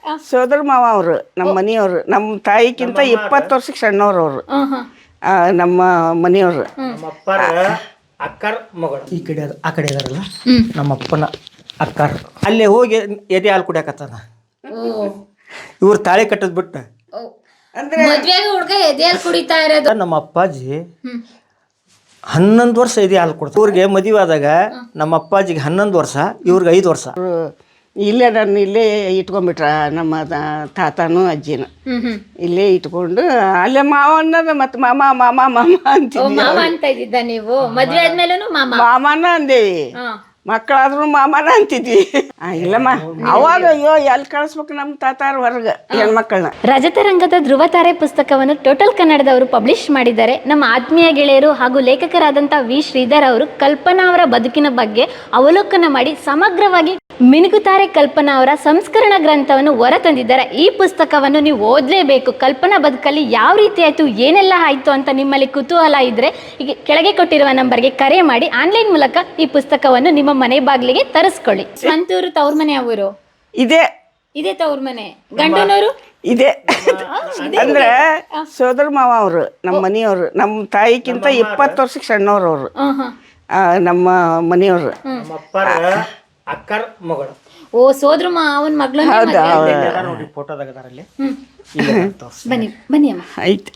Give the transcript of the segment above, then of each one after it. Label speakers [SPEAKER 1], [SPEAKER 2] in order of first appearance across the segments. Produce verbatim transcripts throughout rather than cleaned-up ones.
[SPEAKER 1] ಸೋದರ ಮಾವ ಅವರು ನಮ್ಮ ಮನೆಯವರು ನಮ್ಮ ತಾಯಿಗಿಂತ ಇಪ್ಪತ್ತು ವರ್ಷಕ್ಕೆ ಸಣ್ಣವ್ರು ಅವರು ನಮ್ಮ ಮನೆಯವರು
[SPEAKER 2] ನಮ್ಮಪ್ಪರ ಅಕ್ಕರ ಮಗಳು ಈ ಕಡೆ ಆ ಕಡೆ ಇದಾರಲ್ಲ ನಮ್ಮಪ್ಪನ ಅಕ್ಕರ್ ಅಲ್ಲೇ ಹೋಗಿ ಎದೆ ಹಾಲು ಕುಡಿಯಾಕತ್ತಾನ ಇವ್ರು ತಾಳಿ ಕಟ್ಟದ್ ಬಿಟ್ಟು
[SPEAKER 3] ಅಂದ್ರೆ ಮದ್ವೆಗೆ ಹುಡುಗ ಎದೆ ಹಾಲು ಕುಡಿತಾ ಇರೋದು.
[SPEAKER 2] ನಮ್ಮ ಅಪ್ಪಾಜಿ ಹನ್ನೊಂದು ವರ್ಷ ಎದೆ ಹಾಲು ಕೊಡ್ತಾರೆ. ಇವ್ರಿಗೆ ಮದುವೆ ಆದಾಗ ನಮ್ಮ ಅಪ್ಪಾಜಿಗೆ ಹನ್ನೊಂದು ವರ್ಷ, ಇವ್ರಿಗೆ ಐದು ವರ್ಷ.
[SPEAKER 1] ಇಲ್ಲೇ ನಾನು ಇಲ್ಲೇ ಇಟ್ಕೊಂಡ್ಬಿಟ್ರ ನಮ್ಮ ತಾತನೂ ಅಜ್ಜಿನ ಇಲ್ಲೇ ಇಟ್ಕೊಂಡು ಅಲ್ಲೇ ಮಾವ ಅನ್ನೋದು ಮತ್ತೆ ಮಾಮ ಮಾಮ ಮಾಮ ಅಂತೀವಿ.
[SPEAKER 3] ಮಾಮ ಅಂತ ಇದ್ದಿದ್ದ ನೀವು ಮದ್ವೆ ಆದ್ಮೇಲೂ ಮಾಮ
[SPEAKER 1] ಮಾಮನ ಅಂದೇವಿ, ಮಕ್ಕಳಾದ್ರೂ ಮಾಮನ ಅಂತಿದ್ವಿ. ಇಲ್ಲಮ್ಮ ಅವಾಗ ಅಯ್ಯೋ ಎಲ್ಲಿ ಕಳಿಸ್ಬೇಕು ನಮ್ಮ ತಾತಾರ ಹೊರಗೆ ಹೆಣ್ಮಕ್ಳನ್ನ.
[SPEAKER 3] ರಜತರಂಗದ ಧ್ರುವತಾರೆ ಪುಸ್ತಕವನ್ನು ಟೋಟಲ್ ಕನ್ನಡದವರು ಪಬ್ಲಿಷ್ ಮಾಡಿದ್ದಾರೆ. ನಮ್ಮ ಆತ್ಮೀಯ ಗೆಳೆಯರು ಹಾಗೂ ಲೇಖಕರಾದಂಥ ವಿ ಶ್ರೀಧರ್ ಅವರು ಕಲ್ಪನಾ ಅವರ ಬದುಕಿನ ಬಗ್ಗೆ ಅವಲೋಕನ ಮಾಡಿ ಸಮಗ್ರವಾಗಿ ಮಿನುಗುತ್ತಾರೆ ಕಲ್ಪನಾ ಅವರ ಸಂಸ್ಕರಣ ಗ್ರಂಥವನ್ನು ಹೊರತಂದಿದ್ದಾರೆ. ಈ ಪುಸ್ತಕವನ್ನು ನೀವು ಓದಲೇಬೇಕು. ಕಲ್ಪನಾ ಬದುಕಲ್ಲಿ ಯಾವ ರೀತಿ ಆಯಿತು, ಏನೆಲ್ಲ ಆಯಿತು ಅಂತ ನಿಮ್ಮಲ್ಲಿ ಕುತೂಹಲ ಇದ್ದರೆ ಈಗ ಕೆಳಗೆ ಕೊಟ್ಟಿರುವ ನಂಬರ್ಗೆ ಕರೆ ಮಾಡಿ ಆನ್ಲೈನ್ ಮೂಲಕ ಈ ಪುಸ್ತಕವನ್ನು ನಿಮ್ಮ ಮನೆ ಬಾಗಿಲಿಗೆ ತರಿಸ್ಕೊಳ್ಳಿ. ಸ್ವಂತೂರು ತವ್ರ ಮನೆ ಅವರು
[SPEAKER 1] ಇದೆ
[SPEAKER 3] ಇದೇ ತವ್ರ ಮನೆ, ಗಂಡನವರು
[SPEAKER 1] ಇದೆ ಅಂದ್ರೆ ಸೋದರ ಮಾವ ಅವರು ನಮ್ಮ ಮನೆಯವರು ನಮ್ಮ ತಾಯಿಗಿಂತ ಇಪ್ಪತ್ತು ವರ್ಷಕ್ಕೆ ಸಣ್ಣವ್ರು ಅವರು ನಮ್ಮ ಮನೆಯವರು
[SPEAKER 2] ಅಕ್ಕರ ಮಗಳು.
[SPEAKER 3] ಓ ಸೋದ್ರ ಮಾವನ ಮಗಳು.
[SPEAKER 2] ನೋಡಿ ಫೋಟೋದಾಗ ಅದರಲ್ಲಿ
[SPEAKER 3] ಬನ್ನಿ ಬನ್ನಿ ಅಮ್ಮ.
[SPEAKER 1] ಆಯ್ತು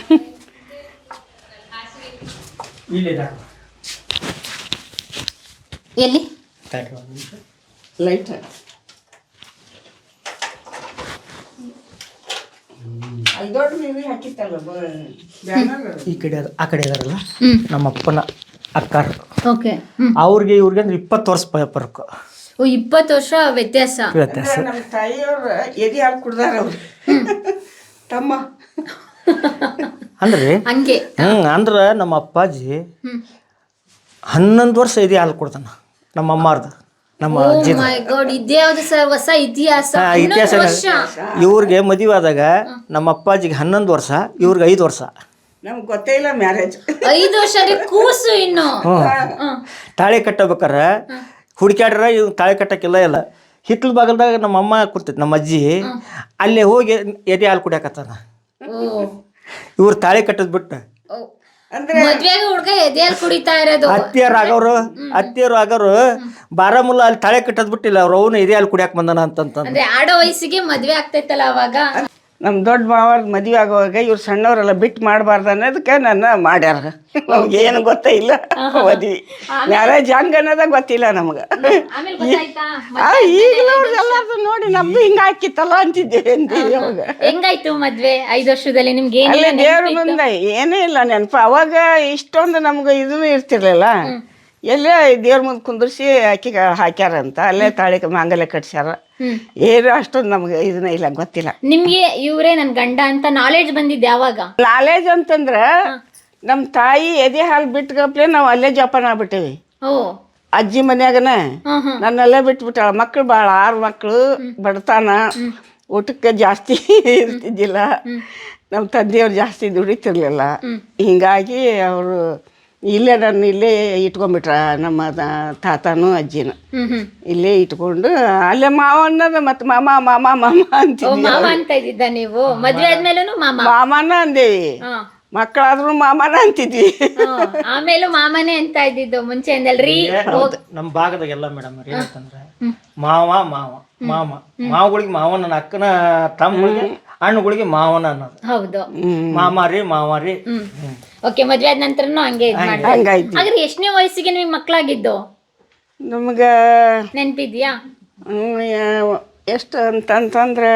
[SPEAKER 3] ಎಲ್ಲಿ
[SPEAKER 1] ಲೈಟ್
[SPEAKER 2] ಈ ಕಡೆ ಆ ಕಡೆ ಇದಾರಲ್ಲ ನಮ್ಮಪ್ಪನ ಅಕ್ಕರ್.
[SPEAKER 3] ಓಕೆ.
[SPEAKER 2] ಅವ್ರಿಗೆ ಇವ್ರಿಗೆ ಅಂದ್ರೆ ಇಪ್ಪತ್ತು ವರ್ಷ ಪರಕು.
[SPEAKER 3] ಓ ಇಪ್ಪತ್ತು ವರ್ಷ ವ್ಯತ್ಯಾಸ.
[SPEAKER 2] ವ್ಯತ್ಯಾಸ.
[SPEAKER 1] ನಮ್ಮ ತಾಯಿಯವ್ರ ಎದೆ ಹಾಲು ಕುಡ್ದಾರ ಅವ್ರು ತಮ್ಮ
[SPEAKER 2] ಅಂದ್ರೆ
[SPEAKER 3] ಹಂಗೆ.
[SPEAKER 2] ಹ್ಮ್ ಅಂದ್ರ ನಮ್ಮ ಅಪ್ಪಾಜಿ ಹನ್ನೊಂದು ವರ್ಷ ಎದೆ ಹಾಲು ಕೊಡ್ತಾನ ನಮ್ಮ ಅಮ್ಮಾರ್ದ ನಮ್ಮ ಅಜ್ಜಿ.
[SPEAKER 3] ಇದ್ಯಾವ್ದು ಸರ್ ಹೊಸ ಇತಿಹಾಸ.
[SPEAKER 2] ಇತಿಹಾಸ. ಇವ್ರಿಗೆ ಮದುವೆ ಆದಾಗ ನಮ್ಮ ಅಪ್ಪಾಜಿಗೆ ಹನ್ನೊಂದು ವರ್ಷ, ಇವ್ರಿಗೆ ಐದು ವರ್ಷ.
[SPEAKER 1] ನಮ್ಗೆ ಗೊತ್ತೇ ಇಲ್ಲ ಮ್ಯಾರೇಜ್.
[SPEAKER 3] ಐದು ವರ್ಷ ಕೂಸು ಇನ್ನು.
[SPEAKER 2] ಹ್ಮ್ ತಾಳಿ ಕಟ್ಟಬೇಕಾರ ಹುಡುಕ್ಯಾಡ್ರ ಇವ್ ತಾಳಿ ಕಟ್ಟಕ್ಕಿಲ್ಲ ಇಲ್ಲ. ಹಿತ್ಲ ಬಾಗಲ್ದಾಗ ನಮ್ಮ ಅಮ್ಮ ಕೂರ್ತೈತಿ, ನಮ್ಮ ಅಜ್ಜಿ ಅಲ್ಲೇ ಹೋಗಿ ಎದೆ ಹಾಲು ಕುಡಿಯಾಕತ್ತಾನ. ಇವ್ರು ತಾಳಿ ಕಟ್ಟದ್ ಬಿಟ್ಟು
[SPEAKER 3] ಮದ್ವೆಗೆ ಹುಡುಗ ಎದೆ ಹಾಲು ಕುಡಿತಾ ಇರೋದು.
[SPEAKER 2] ಅತ್ತಿಯರು ಆಗೋರು ಅತ್ತಿಯರು ಆಗೋರು ಬಾರಾಮುಲ್ಲ ಅಲ್ಲಿ ತಾಳೆ ಕಟ್ಟದ್ ಬಿಟ್ಟಿಲ್ಲ, ಅವ್ರು ಅವನು ಎದೆ ಹಾಲು ಕುಡಿಯಾಕ ಬಂದನ ಅಂತಂತ.
[SPEAKER 3] ಅಂದ್ರೆ ಆಡೋ ವಯಸ್ಸಿಗೆ ಮದ್ವೆ ಆಗ್ತೈತಲ್ಲ ಅವಾಗ.
[SPEAKER 1] ನಮ್ಮ ದೊಡ್ಡ ಮಾವ್ರ ಮದುವೆ ಆಗುವಾಗ ಇವ್ರು ಸಣ್ಣವರೆಲ್ಲ ಬಿಟ್ಟು ಮಾಡಬಾರ್ದು ಅನ್ನೋದಕ್ಕೆ ನನ್ನ ಮಾಡ್ಯಾರ. ನಮ್ಗೆ ಏನು ಗೊತ್ತೇ ಇಲ್ಲ ಮದ್ವೆ ಮ್ಯಾರೇಜ್ ಹಂಗ ಅನ್ನೋದ ಗೊತ್ತಿಲ್ಲ ನಮ್ಗೆ. ಈಗಲೂ ಎಲ್ಲಾರ್ದು ನೋಡಿ ನಮ್ದು ಹಿಂಗ ಹಾಕಿತ್ತಲ್ಲ ಅಂತಿದ್ದೇವೆ ಅವಾಗ.
[SPEAKER 3] ಹೆಂಗಾಯ್ತು ಮದ್ವೆ ಐದು ವರ್ಷದಲ್ಲಿ ನಿಮ್ಗೆ?
[SPEAKER 1] ಅಲ್ಲೇ ದೇವ್ರ ಮುಂದೆ ಏನೂ ಇಲ್ಲ ನೆನಪು. ಅವಾಗ ಇಷ್ಟೊಂದು ನಮ್ಗೆ ಇದೂ ಇರ್ತಿರ್ಲಿಲ್ಲ. ಎಲ್ಲೇ ದೇವ್ರ ಮುಂದೆ ಕುಂದ್ರಿಸಿ ಅಕ್ಕಿಗೆ ಹಾಕ್ಯಾರಂತ ಅಲ್ಲೇ ತಾಳಿ ಮಾಂಗಲ್ಯ ಕಟ್ಸ್ಯಾರ. ಏನು ಅಷ್ಟೊಂದು ನಮ್ಗೆ ಇದನ್ನ ಇಲ್ಲ, ಗೊತ್ತಿಲ್ಲ.
[SPEAKER 3] ನಿಮ್ಗೆ ಇವ್ರೇ ನನ್ ಗಂಡ ಅಂತ ನಾಲೆಡ್ಜ್ ಬಂದಿದ್ದು ಯಾವಾಗ?
[SPEAKER 1] ನಾಲೆಜ್ ಅಂತಂದ್ರ ನಮ್ಮ ತಾಯಿ ಎದೆ ಹಾಲು ಬಿಟ್ಕಪ್ಲೆ ನಾವು ಅಲ್ಲೇ ಜೋಪಾನ ಆಗ್ಬಿಟ್ಟೇವಿ. ಅಜ್ಜಿ ಮನ್ಯಾಗನ ನನ್ನಲ್ಲೇ ಬಿಟ್ಬಿಟ್ಟಾಳ. ಮಕ್ಳು ಭಾಳ, ಆರು ಮಕ್ಕಳು, ಬಡತನ, ಊಟಕ್ಕೆ ಜಾಸ್ತಿ ಇರ್ತಿದ್ದಿಲ್ಲ. ನಮ್ಮ ತಂದೆಯವ್ರು ಜಾಸ್ತಿ ದುಡಿತಿರ್ಲಿಲ್ಲ. ಹಿಂಗಾಗಿ ಅವರು ಇಲ್ಲೇ ನಾನು ಇಲ್ಲೇ ಇಟ್ಕೊಂಡ್ಬಿಟ್ರ ನಮ್ಮ ತಾತನೂ ಅಜ್ಜಿನ ಇಲ್ಲೇ ಇಟ್ಕೊಂಡು ಅಲ್ಲೇ ಮಾವ ಅನ್ನೋದು ಮತ್ತೆ ಮಾಮ ಮಾಮ ಮಾಮ ಅಂತೀವಿ.
[SPEAKER 3] ಮಾಮ ಅಂತ ಇದ್ದಿದ್ದ ನೀವು ಮದ್ವೆ ಆದ್ಮೇಲೂ ಮಾಮ
[SPEAKER 1] ಮಾಮನ ಅಂದೇವಿ, ಮಕ್ಕಳಾದ್ರೂ ಮಾಮನ ಅಂತಿದ್ವಿ.
[SPEAKER 3] ಆಮೇಲೂ ಮಾಮನೇ ಅಂತ ಇದ್ದಿದ್ದು ಮುಂಚೆಯಿಂದಲ್ರಿ.
[SPEAKER 2] ನಮ್ಮ ಭಾಗದಾಗೆಲ್ಲ ಮೇಡಮ್ ಏನಂತಂದ್ರೆ ಮಾವ ಮಾವ ಮಾಮ ಮಾವಗಳಿಗೆ ಮಾವನ, ನನ್ನ ಅಕ್ಕನ ತಮ್ಮಗಳಿಗೆ ಹಣ್ಣುಗಳಿಗೆ ಮಾವನ ಅನ್ನೋದು.
[SPEAKER 3] ಹೌದು,
[SPEAKER 2] ಮಾಮಾರಿ ಮಾವಾರಿ.
[SPEAKER 3] ಓಕೆ. ಮದ್ವೆ ಆದ ನಂತರನು ಹಂಗೆ
[SPEAKER 1] ಹಂಗಾಯ್ತು.
[SPEAKER 3] ಹಾಗಾದ್ರೆ ಎಷ್ಟನೇ ವಯಸ್ಸಿಗೆ ನಿಮ್ಗೆ ಮಕ್ಕಳಾಗಿದ್ದು
[SPEAKER 1] ನಮ್ಗೆ
[SPEAKER 3] ನೆನಪಿದ್ಯಾ?
[SPEAKER 1] ಎಷ್ಟು ಅಂತಂತಂದ್ರೆ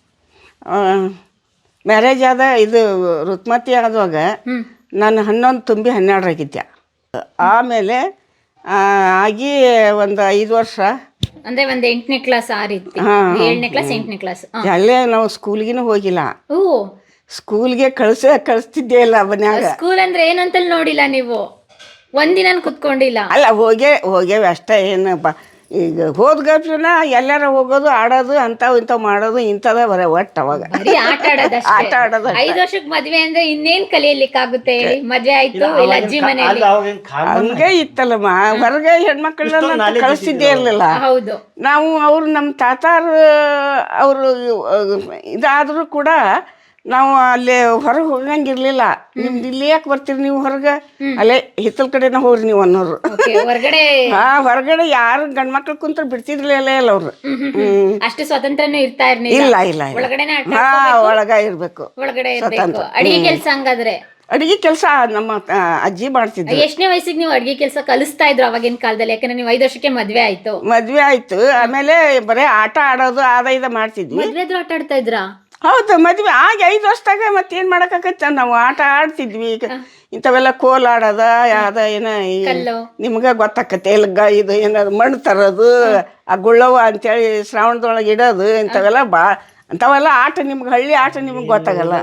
[SPEAKER 1] ಮ್ಯಾರೇಜ್ ಆದ ಇದು ಋತುಮತಿ ಆಗುವಾಗ ನಾನು ಹನ್ನೊಂದು ತುಂಬಿ ಹನ್ನೆರಡರಾಗಿದ್ದೆ. ಆಮೇಲೆ ಆಗಿ ಒಂದು ಐದು ವರ್ಷ
[SPEAKER 3] ಅಂದ್ರೆ ಒಂದ್ ಎಂಟನೇ ಕ್ಲಾಸ್ ಆ ರೀತಿ, ಏಳನೇ ಕ್ಲಾಸ್ ಎಂಟನೇ ಕ್ಲಾಸ್
[SPEAKER 1] ಅಲ್ಲೇ ನಾವು ಸ್ಕೂಲ್ಗಿನೂ ಹೋಗಿಲ್ಲ.
[SPEAKER 3] ಓ
[SPEAKER 1] ಸ್ಕೂಲ್ಗೆ ಕಳ್ಸ ಕಳಿಸ್ತಿದ್ದೇ ಇಲ್ಲ ಮನ್ಯಾಗ.
[SPEAKER 3] ಸ್ಕೂಲ್ ಅಂದ್ರೆ ಏನಂತ ನೋಡಿಲ್ಲ ನೀವು? ಒಂದಿನ ಕುತ್ಕೊಂಡಿಲ್ಲ?
[SPEAKER 1] ಅಲ್ಲ ಹೋಗೇ ಹೋಗ್ಯಾವೆ ಅಷ್ಟೇ. ಏನು ಈಗ ಹೋದ ಗಪ್ಲನ ಎಲ್ಲಾರ ಹೋಗೋದು ಆಡೋದು ಅಂಥವು ಇಂಥವು ಮಾಡೋದು ಇಂಥದ ಬರ ಒಟ್ಟು ಅವಾಗ
[SPEAKER 3] ಬರೀ ಆಟ ಆಡೋದಷ್ಟೇ.
[SPEAKER 1] ಆಟ ಆಡೋದು
[SPEAKER 3] ಐದು ವರ್ಷಕ್ಕೆ ಮದ್ವೆ ಅಂದ್ರೆ ಇನ್ನೇನ್ ಕಲಿಯಲಿಕ್ಕಾಗುತ್ತೆ ಹೇಳಿ? ಮದ್ವೆ ಆಯ್ತು ಇಲ್ಲ ಅಜ್ಜಿ ಮನೆಯಲ್ಲಿ
[SPEAKER 1] ಹಂಗೆ ಇತ್ತಲ್ಲಮ್ಮ. ಹೊರಗೆ ಹೆಣ್ಮಕ್ಳನ್ನ ಕಳಿಸ್ತಿದ್ದೇ ಇರ್ಲಿಲ್ಲ.
[SPEAKER 3] ಹೌದು.
[SPEAKER 1] ನಾವು ಅವ್ರು ನಮ್ಮ ತಾತಾರ ಅವರು ಇದಾದರೂ ಕೂಡ ನಾವು ಅಲ್ಲಿ ಹೊರಗೆ ಹೋಗಂಗಿರ್ಲಿಲ್ಲ. ನಿಮ್ದು ಇಲ್ಲಿ ಯಾಕೆ ಬರ್ತೀರಿ ನೀವು ಹೊರಗೆ, ಅಲ್ಲೇ ಹಿತ್ತಲ ಕಡೆನ ಹೋಗ್ರಿ ನೀವು ಅನ್ನೋರು.
[SPEAKER 3] ಹೊರಗಡೆ
[SPEAKER 1] ಹಾ ಹೊರಗಡೆ ಯಾರು ಗಂಡ್ ಮಕ್ಳು ಕುಂತ್ರ ಬಿಡ್ತಿರ್ಲಿಲ್ಲ ಇಲ್ಲ ಅವ್ರು. ಹ್ಮ್
[SPEAKER 3] ಅಷ್ಟು ಸ್ವತಂತ್ರನೂ ಇರ್ತಾ ಇರ್ಲಿಲ್ಲ.
[SPEAKER 1] ಇಲ್ಲ ಇಲ್ಲ
[SPEAKER 3] ಒಳಗಡೆನೆ
[SPEAKER 1] ಹಾ ಒಳಗ ಇರ್ಬೇಕು.
[SPEAKER 3] ಒಳಗಡೆ ಇರ್ಬೇಕು. ಅಡಿಗೆ ಕೆಲ್ಸ ಹಂಗಾದ್ರೆ
[SPEAKER 1] ಅಡಿಗೆ ಕೆಲಸ ನಮ್ಮ ಅಜ್ಜಿ ಮಾಡ್ತಿದ್ರು.
[SPEAKER 3] ಎಷ್ಟನೇ ವಯಸ್ಸಿಗೆ ನೀವು ಅಡಿಗೆ ಕೆಲಸ ಕಲಿಸ್ತಾ ಇದ್ರು ಅವಾಗಿನ ಕಾಲದಲ್ಲಿ? ಯಾಕಂದ್ರೆ ನೀವು ಐದು ವರ್ಷಕ್ಕೆ ಮದ್ವೆ ಆಯ್ತು.
[SPEAKER 1] ಮದ್ವೆ ಆಯ್ತು. ಆಮೇಲೆ ಬರೇ ಆಟ ಆಡೋದು ಆದ ಇದ ಮಾಡ್ತಿದ್ವಿ.
[SPEAKER 3] ಮದ್ವೆದ್ರು ಆಟ ಆಡ್ತಾ ಇದ್ರಾ?
[SPEAKER 1] ಹೌದು, ಮದ್ವೆ ಆಗ ಐದು ವರ್ಷದಾಗ ಮತ್ತೇನ್ ಮಾಡಕ್ಕಾಗತ್ತ, ನಾವು ಆಟ ಆಡ್ತಿದ್ವಿ. ಈಗ ಇಂಥವೆಲ್ಲ ಕೋಲ್ ಆಡೋದ ಯಾವ್ದ ಏನ ನಿಮ್ಗ ಗೊತ್ತಾಕತ್ತೆ ಎಲ್ಗ ಇದು ಏನಾದ್ರು ಮಣ್ಣು ತರೋದು, ಆ ಗುಳ್ಳವ ಅಂತೇಳಿ ಶ್ರಾವಣದೊಳಗೆ ಇಡೋದು, ಇಂಥವೆಲ್ಲ ಬಾ ಅಂಥವೆಲ್ಲ ಆಟ ನಿಮ್ಗೆ ಹಳ್ಳಿ ಆಟ ನಿಮ್ಗೆ ಗೊತ್ತಾಗಲ್ಲ.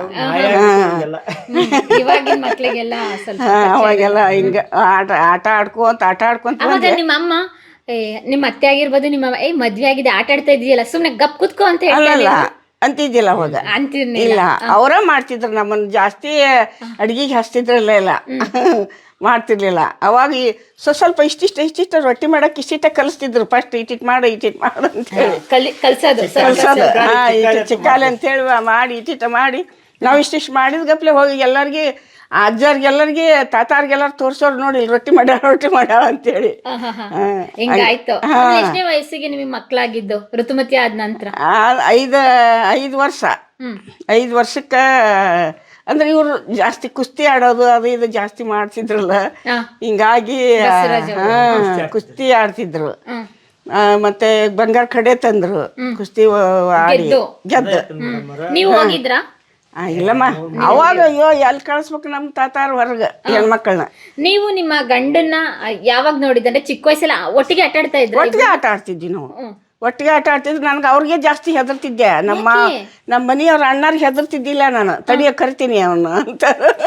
[SPEAKER 3] ಇವಾಗಿನ ಮಕ್ಳಿಗೆಲ್ಲ ಸ್ವಲ್ಪ
[SPEAKER 1] ಅವಾಗೆಲ್ಲ ಹಿಂಗ ಆಟ ಆಟ ಆಡ್ಕೊಂತ ಆಟ ಆಡ್ಕೊಂತ
[SPEAKER 3] ಅವಾಗ ನಿಮ್ಮ ಅಮ್ಮ ನಿಮ್ಮ ಅತ್ತೆ ಆಗಿರ್ಬೋದು ನಿಮ್ಮ ಏ ಮದ್ವೆ ಆಗಿದೆ ಆಟ ಆಡ್ತಾ ಇದೆಯಲ್ಲ ಸುಮ್ನೆ ಗಪ್ ಕುತ್ಕೋ ಅಂತ
[SPEAKER 1] ಹೇಳಲ್ಲ ಅಂತಿದ್ದಿಲ್ಲ ಅವಾಗ. ಇಲ್ಲ, ಅವರ ಮಾಡ್ತಿದ್ರು. ನಮ್ಮನ್ನ ಜಾಸ್ತಿ ಅಡ್ಗಿಗೆ ಹಚ್ತಿದ್ರಲ್ಲ ಇಲ್ಲ ಮಾಡ್ತಿರ್ಲಿಲ್ಲ. ಅವಾಗ ಸ್ವ ಸ್ವಲ್ಪ ಇಷ್ಟಿಷ್ಟ ಇಷ್ಟಿಷ್ಟ ರೊಟ್ಟಿ ಮಾಡಕ್ಕೆ ಇಷ್ಟಿಷ್ಟ ಕಲಿಸ್ತಿದ್ರು. ಫಸ್ಟ್ ಇಟ್ಟಿಟ್ ಮಾಡು ಇಟ್ಟಿಟ್ ಮಾಡು ಅಂತ ಹೇಳಿ
[SPEAKER 3] ಕಲ್ಸೋದು
[SPEAKER 1] ಕಲ್ಸೋದು. ಹಾ ಇಟ್ಟು ಚಿಕ್ಕಾಲೆ ಅಂತೇಳಿ ಮಾಡಿ ಇಟ್ಟಿಟ ಮಾಡಿ ನಾವು ಇಷ್ಟಿಷ್ಟು ಮಾಡಿದ ಗಪ್ಲೆ ಹೋಗಿ ಎಲ್ಲರಿಗೆ ಅಜ್ಜಾರ್ಗೆಲ್ಲರಿಗೆ ತಾತಾರ್ಗೆಲ್ಲಾರು ತೋರ್ಸೋರು ನೋಡಿ ಇಲ್ಲಿ ರೊಟ್ಟಿ ಮಾಡ್ಯಾರ ರೊಟ್ಟಿ ಮಾಡ್ಯಾರ ಅಂತೇಳಿ.
[SPEAKER 3] ಹಿಂಗಾಯ್ತು. ಎಷ್ಟನೇ ವಯಸ್ಸಿಗೆ ನಿಮಗೆ ಮಕ್ಕಳಾಗಿದ್ದು ಋತುಮತಿ ಆದ ನಂತರ?
[SPEAKER 1] ಐದು ಐದು ವರ್ಷ ಐದು ವರ್ಷಕ್ಕೆ ಅಂದ್ರೆ ಇವ್ರು ಜಾಸ್ತಿ ಕುಸ್ತಿ ಆಡೋದು ಅದು ಇದು ಜಾಸ್ತಿ ಮಾಡ್ತಿದ್ರಲ್ಲ, ಹಿಂಗಾಗಿ ಕುಸ್ತಿ ಆಡ್ತಿದ್ರು. ಮತ್ತೆ ಬಂಗಾರ ಕಡೆ ತಂದ್ರು, ಕುಸ್ತಿ ಆಡಿ ಗೆದ್ದು.
[SPEAKER 3] ನೀವು ಹೋಗಿದ್ರಾ?
[SPEAKER 1] ಇಲ್ಲಮ್ಮ, ಅವಾಗ ಅಯ್ಯೋ ಎಲ್ಲಿ ಕಳಿಸ್ಬೇಕು ನಮ್ಮ ತಾತಾರ ಹೊರಗೆ ಹೆಣ್ಮಕ್ಳನ್ನ.
[SPEAKER 3] ನೀವು ನಿಮ್ಮ ಗಂಡನ್ನ ಯಾವಾಗ ನೋಡಿದ್ರೆ ಚಿಕ್ಕ ವಯಸ್ಸಲ್ಲ ಒಟ್ಟಿಗೆ ಆಟ ಆಡ್ತಾ ಇದ್ರು?
[SPEAKER 1] ಒಟ್ಟಿಗೆ ಆಟ ಆಡ್ತಿದ್ವಿ ನಾವು, ಒಟ್ಟಿಗೆ ಆಟ ಆಡ್ತಿದ್ರು. ನನ್ಗೆ ಅವ್ರಿಗೆ ಜಾಸ್ತಿ ಹೆದರ್ತಿದ್ದೆ. ನಮ್ಮ ನಮ್ಮ ಮನೆಯವ್ರ ಅಣ್ಣಾರ್ಗೆ ಹೆದರ್ತಿದ್ದಿಲ್ಲ ನಾನು. ತಡಿಯ ಕರಿತೀನಿ ಅವನು ಅಂತ.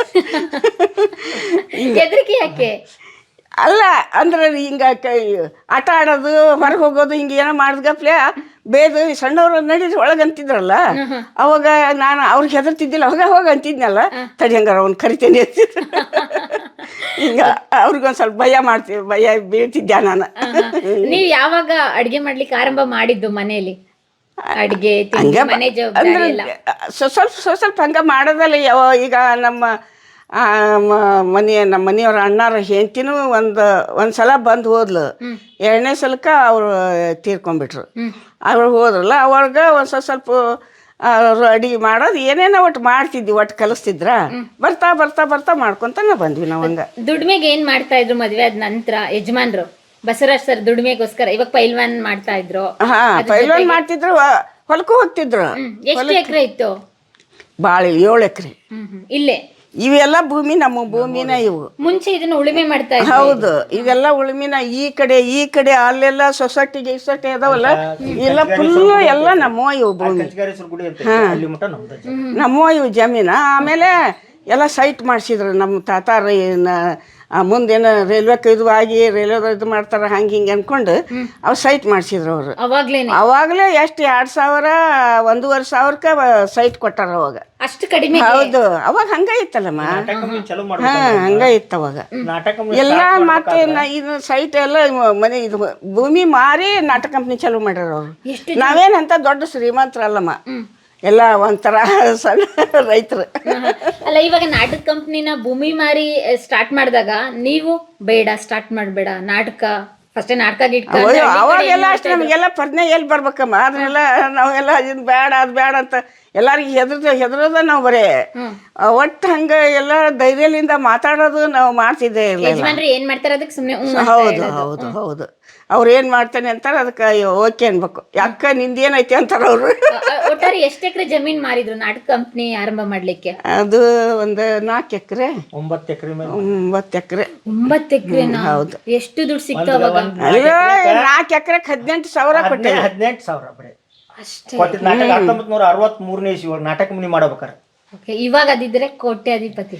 [SPEAKER 3] ಹೆದರಿಕೆ ಯಾಕೆ?
[SPEAKER 1] ಅಲ್ಲ ಅಂದ್ರೆ ಹಿಂಗ ಆಟ ಆಡೋದು ಹೊರಗೆ ಹೋಗೋದು ಹಿಂಗೆ ಏನೋ ಮಾಡಿದ್ಗಪ್ಲೆ ಬೇದು ಸಣ್ಣವ್ರು ನಡೀರಿ ಒಳಗೆ ಅಂತಿದ್ರಲ್ಲ, ಅವಾಗ ನಾನು ಅವ್ರಿಗೆ ಹೆದರ್ತಿದ್ದಿಲ್ಲ. ಅವಾಗ ಹೋಗ ಅಂತಿದ್ನಲ್ಲ, ತಡಿ ಹಂಗಾರ ಅವ್ನು ಕರಿತೇನೆ ಅಂತಿದ್ರು. ಹಿಂಗ ಅವ್ರಿಗೊಂದು ಸ್ವಲ್ಪ ಭಯ ಮಾಡ್ತೀವಿ, ಭಯ ಬೀಳ್ತಿದ್ದೆ ನಾನು.
[SPEAKER 3] ನೀವು ಯಾವಾಗ ಅಡ್ಗೆ ಮಾಡ್ಲಿಕ್ಕೆ ಆರಂಭ ಮಾಡಿದ್ದು ಮನೆಯಲ್ಲಿ? ಅಡ್ಗೆ ಮನೆ
[SPEAKER 1] ಅಂದ್ರೆ ಸ್ವಲ್ಪ ಸ್ವಲ್ಪ ಹಂಗ ಮಾಡೋದಲ್ಲ. ಯಾವ ಈಗ ನಮ್ಮ ಮನೆಯ ನಮ್ಮ ಮನೆಯವ್ರ ಅಣ್ಣಾರ ಹೆಂಡತಿನೂ ಒಂದು ಒಂದು ಸಲ ಬಂದು ಹೋದ್ಲು. ಎರಡನೇ ಸಲಕ್ಕೆ ಅವರು ತೀರ್ಕೊಂಡ್ಬಿಟ್ರು. ಅವ್ರು ಹೋದ್ರಲ್ಲ, ಅವಾಗ ಒಂದು ಸ್ವಲ್ಪ ಸ್ವಲ್ಪ ಅಡಿಗೆ ಮಾಡೋದು ಏನೇನೋ ಒಟ್ಟು ಮಾಡ್ತಿದ್ವಿ, ಒಟ್ಟು ಕಲಿಸ್ತಿದ್ರ. ಬರ್ತಾ ಬರ್ತಾ ಬರ್ತಾ ಮಾಡ್ಕೊಂತಾನೆ ಬಂದ್ವಿ ನಾವು. ಹಂಗ
[SPEAKER 3] ದುಡ್ಮೆಗೆ ಏನ್ ಮಾಡ್ತಾ ಇದ್ರು ಮದ್ವೆ ಆದ ನಂತರ ಯಜಮಾನ್ರು? ಬಸವರಾಜ್ ಸರ್ ದುಡ್ಮೆಗೋಸ್ಕರ ಇವಾಗ ಪೈಲ್ವಾನ್ ಮಾಡ್ತಾ ಇದ್ರು.
[SPEAKER 1] ಹಾ ಪೈಲ್ವಾನ್ ಮಾಡ್ತಿದ್ರು, ಹೊಲಕ್ಕೂ ಹೋಗ್ತಿದ್ರು.
[SPEAKER 3] ಎಷ್ಟು ಎಕರೆ ಇತ್ತು?
[SPEAKER 1] ಭಾಳ ಏಳು ಎಕರೆ.
[SPEAKER 3] ಇಲ್ಲೇ
[SPEAKER 1] ಇವೆಲ್ಲ ಭೂಮಿ ನಮ್ಮ ಭೂಮಿನ ಇವು.
[SPEAKER 3] ಮುಂಚೆ ಇದನ್ನ ಉಳುಮೆ ಮಾಡ್ತಾ ಇದ್ರು.
[SPEAKER 1] ಹೌದು, ಇವೆಲ್ಲ ಉಳುಮಿನ. ಈ ಕಡೆ ಈ ಕಡೆ ಅಲ್ಲೆಲ್ಲ ಸೊಸೈಟಿಗೆ ಸೊಸೈಟಿ ಅದಾವಲ್ಲ, ಎಲ್ಲ ಫುಲ್ಲು ಎಲ್ಲ ನಮ್ಮ ಇವು ಭೂಮಿ. ನಮ್ಮ ಇವು ಜಮೀನ. ಆಮೇಲೆ ಎಲ್ಲ ಸೈಟ್ ಮಾಡಿಸಿದ್ರು ನಮ್ಮ ತಾತಾರ. ಮುಂದೇನು ರೈಲ್ವೆ ಇದು ಆಗಿ ರೈಲ್ವೆ ಇದು ಮಾಡ್ತಾರ ಹಂಗೆ ಹಿಂಗೆ ಅನ್ಕೊಂಡು ಅವ್ರು ಸೈಟ್ ಮಾಡಿಸಿದ್ರು ಅವರು. ಅವಾಗಲೇ ಎಷ್ಟು ಎರಡು ಸಾವಿರ ಒಂದೂವರೆ ಸಾವಿರಕ್ಕೆ ಸೈಟ್ ಕೊಟ್ಟಾರ ಅವಾಗ.
[SPEAKER 3] ಅಷ್ಟು ಕಡಿಮೆ?
[SPEAKER 1] ಹೌದು, ಅವಾಗ ಹಂಗ ಇತ್ತಲ್ಲಮ್ಮ. ಹಾ ಹಂಗ ಇತ್ತು ಅವಾಗ ಎಲ್ಲ. ಮತ್ತೆ ಇದು ಸೈಟ್ ಎಲ್ಲ ಮನೆ ಇದು ಭೂಮಿ ಮಾರಿ ನಾಟಕ ಕಂಪ್ನಿ ಚಾಲೂ ಮಾಡ್ಯಾರ ಅವರು. ನಾವೇನಂತ ದೊಡ್ಡ ಶ್ರೀಮಂತರಲ್ಲಮ್ಮ, ಎಲ್ಲ ಒಂಥರ ಸಣ್ಣ ರೈತರು.
[SPEAKER 3] ಅಲ್ಲ, ಇವಾಗ ನಾಟಕ ಕಂಪ್ನಿನ ಭೂಮಿ ಮಾರಿ ಸ್ಟಾರ್ಟ್ ಮಾಡಿದಾಗ ನೀವು ಬೇಡ ಸ್ಟಾರ್ಟ್ ಮಾಡಬೇಡ ನಾಟಕ ಫಸ್ಟ್ ನಾಟಕ ಗಿಟ್ಕ
[SPEAKER 1] ಅವಾಗೆಲ್ಲ ಅಷ್ಟೇ ನಮಗೆಲ್ಲ ಪ್ರಜ್ಞೆ ಎಲ್ಲಿ ಬರ್ಬೇಕಮ್ಮ. ಅದನ್ನೆಲ್ಲ ನಾವೆಲ್ಲ ಇದು ಬೇಡ ಅದು ಬೇಡ ಅಂತ ಎಲ್ಲಾರಿಗೂ ಹೆದರ್ದ ಹೆದರೋದ ನಾವು ಬರೇ ಒಟ್ಟು ಹಂಗ ಎಲ್ಲ ಧೈರ್ಯದಿಂದ ಮಾತಾಡೋದು ನಾವು ಮಾಡ್ತಿದ್ದೇ ಇಲ್ಲ.
[SPEAKER 3] ಏನ್ ಮಾಡ್ತಾರ ಅದಕ್ಕೆ ಸುಮ್ಮನೆ
[SPEAKER 1] ಹೌದು ಹೌದು ಹೌದು ಅವ್ರು ಏನ್ ಮಾಡ್ತಾನೆ ಅಂತಾರ ಅದಕ್ಕೆ ಓಕೆ ಅನ್ಬೇಕು. ಯಾಕ ನಿಂದೇನೈತಿ ಅಂತಾರ ಅವ್ರು.
[SPEAKER 3] ಒಟ್ಟಾರೆ ಎಷ್ಟು ಎಕರೆ ಜಮೀನ್ ಮಾರಿದ್ರು ನಾಟಕ ಕಂಪ್ನಿ ಆರಂಭ ಮಾಡ್ಲಿಕ್ಕೆ?
[SPEAKER 1] ಅದು ಒಂದು ನಾಲ್ಕು ಎಕರೆ
[SPEAKER 2] ಒಂಬತ್ತು ಎಕರೆ
[SPEAKER 1] ಒಂಬತ್ತು ಎಕರೆ
[SPEAKER 3] ಒಂಬತ್ತು ಎಕರೆ
[SPEAKER 1] ಹೌದು.
[SPEAKER 3] ಎಷ್ಟು ದುಡ್ಡು ಸಿಕ್ತು ಅವಾಗ?
[SPEAKER 1] ನಾಲ್ಕು ಎಕರೆಗೆ ಹದಿನೆಂಟು ಸಾವಿರ ಕೊಟ್ಟೆ.
[SPEAKER 2] ಹದಿನೆಂಟು ಸಾವಿರ ಬರೀ ನಾಟಕ ಹತ್ತೊಂಬತ್ ನೂರ ಅರವತ್ತ್ ಮೂರನೇ ಇಸ್ವಿ ನಾಟಕ ಕಂಪ್ನಿ ಮಾಡ್ಬೇಕಾರ.
[SPEAKER 3] ಇವಾಗ ಅದಿದ್ರೆ ಕೋಟ್ಯಾಧಿಪತಿ.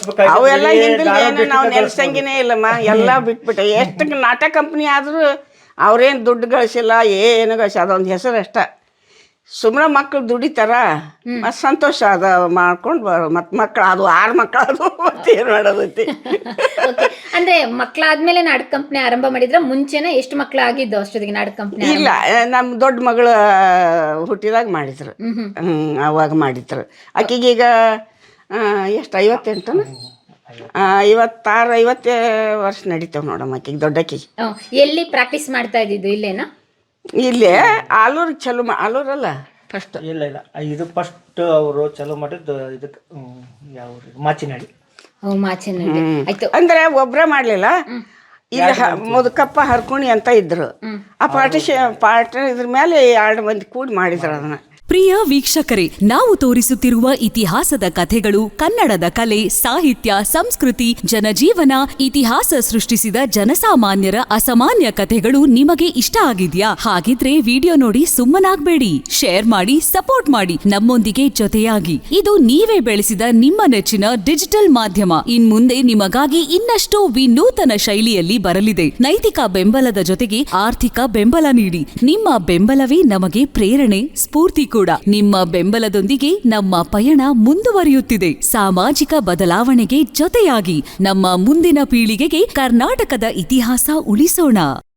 [SPEAKER 1] ಅವೆಲ್ಲ ಹಿಂದಿನ ನಾವು ನೆನೆಸಂಗಿನೇ ಇಲ್ಲಮ್ಮ, ಎಲ್ಲ ಬಿಟ್ಬಿಟ್ಟೆ. ಎಷ್ಟು ನಾಟಕ ಕಂಪ್ನಿ ಆದ್ರೂ ಅವ್ರೇನು ದುಡ್ಡು ಗಳಿಸಿಲ್ಲ, ಏನು ಗಳಿಸಿ ಅದೊಂದು ಹೆಸರು ಅಷ್ಟ. ಸುಮ್ಮನೆ ಮಕ್ಳು ದುಡಿತಾರ, ಮತ್ತು ಸಂತೋಷ ಅದ ಮಾಡ್ಕೊಂಡು ಬರೋ. ಮತ್ತು ಮಕ್ಳು ಅದು ಆರು ಮಕ್ಳು ಅದು ಮತ್ತೇನು ಮಾಡೋದೈತಿ.
[SPEAKER 3] ಅಂದ್ರೆ ಮಕ್ಳಾದ್ಮೇಲೆ ನಾಟಕ ಕಂಪ್ನಿ ಆರಂಭ ಮಾಡಿದ್ರ ಮುಂಚೆನ ಎಷ್ಟು ಮಕ್ಳು ಆಗಿದ್ದು ಅಷ್ಟೊತ್ತಿಗೆ ನಾಟಕ ಕಂಪ್ನಿ?
[SPEAKER 1] ಇಲ್ಲ, ನಮ್ಮ ದೊಡ್ಡ ಮಗಳು ಹುಟ್ಟಿದಾಗ ಮಾಡಿದ್ರು. ಹ್ಞೂ ಅವಾಗ ಮಾಡಿದ್ರು. ಆಕೆಗೀಗ ಎಷ್ಟು ಐವತ್ತೆಂಟನ ಐವತ್ತಾರು ಐವತ್ತೇ ವರ್ಷ ನಡೀತಾವೆ ನೋಡಮ್ಮ ಆಕೆಗೆ, ದೊಡ್ಡಕ್ಕಿಗೆ.
[SPEAKER 3] ಎಲ್ಲಿ ಪ್ರಾಕ್ಟೀಸ್ ಮಾಡ್ತಾ ಇದ್ದಿದ್ದು? ಇಲ್ಲೇನಾ?
[SPEAKER 1] ಇಲ್ಲೇ ಆಲೂರಿಗೆ ಚಲೋ ಮಾ ಆಲೂರಲ್ಲ ಫಸ್ಟ್.
[SPEAKER 2] ಇಲ್ಲ ಇಲ್ಲ ಇದು ಫಸ್ಟ್ ಅವರು ಚಲೋ ಮಾಡಿದ್ದು ಇದಕ್ಕೆ ಯಾವ ಮಾಚಿನಾಡಿ.
[SPEAKER 3] ಓ ಮಾಚಿನಾಡಿ. ಆಯ್ತು.
[SPEAKER 1] ಅಂದ್ರೆ ಒಬ್ರ ಮಾಡ್ಲಿಲ್ಲ, ಇಲ್ಲಿ ಮುದುಕಪ್ಪ ಹರ್ಕುಣಿ ಅಂತ ಇದ್ರು. ಆ ಪಾರ್ಟಿಷ ಪಾರ್ಟ್ ಇದ್ರ ಮೇಲೆ ಎರಡು ಮಂದಿ ಕೂಡಿ ಮಾಡಿದ್ರು ಅದನ್ನ.
[SPEAKER 4] ಪ್ರಿಯ ವೀಕ್ಷಕರೇ, ನಾವು ತೋರಿಸುತ್ತಿರುವ ಇತಿಹಾಸದ ಕಥೆಗಳು ಕನ್ನಡದ ಕಲೆ, ಸಾಹಿತ್ಯ, ಸಂಸ್ಕೃತಿ, ಜನಜೀವನ, ಇತಿಹಾಸ ಸೃಷ್ಟಿಸಿದ ಜನಸಾಮಾನ್ಯರ ಅಸಾಮಾನ್ಯ ಕಥೆಗಳು ನಿಮಗೆ ಇಷ್ಟ ಆಗಿದ್ಯಾ? ಹಾಗಿದ್ರೆ ವಿಡಿಯೋ ನೋಡಿ ಸುಮ್ಮನಾಗ್ಬೇಡಿ, ಶೇರ್ ಮಾಡಿ, ಸಪೋರ್ಟ್ ಮಾಡಿ, ನಮ್ಮೊಂದಿಗೆ ಜೊತೆಯಾಗಿ. ಇದು ನೀವೇ ಬೆಳೆಸಿದ ನಿಮ್ಮ ನೆಚ್ಚಿನ ಡಿಜಿಟಲ್ ಮಾಧ್ಯಮ. ಇನ್ ಮುಂದೆ ನಿಮಗಾಗಿ ಇನ್ನಷ್ಟು ವಿನೂತನ ಶೈಲಿಯಲ್ಲಿ ಬರಲಿದೆ. ನೈತಿಕ ಬೆಂಬಲದ ಜೊತೆಗೆ ಆರ್ಥಿಕ ಬೆಂಬಲ ನೀಡಿ. ನಿಮ್ಮ ಬೆಂಬಲವೇ ನಮಗೆ ಪ್ರೇರಣೆ, ಸ್ಫೂರ್ತಿ ಕೂಡ. ನಿಮ್ಮ ಬೆಂಬಲದೊಂದಿಗೆ ನಮ್ಮ ಪಯಣ ಮುಂದುವರಿಯುತ್ತಿದೆ. ಸಾಮಾಜಿಕ ಬದಲಾವಣೆಗೆ ಜೊತೆಯಾಗಿ ನಮ್ಮ ಮುಂದಿನ ಪೀಳಿಗೆಗೆ ಕರ್ನಾಟಕದ ಇತಿಹಾಸ ಉಳಿಸೋಣ.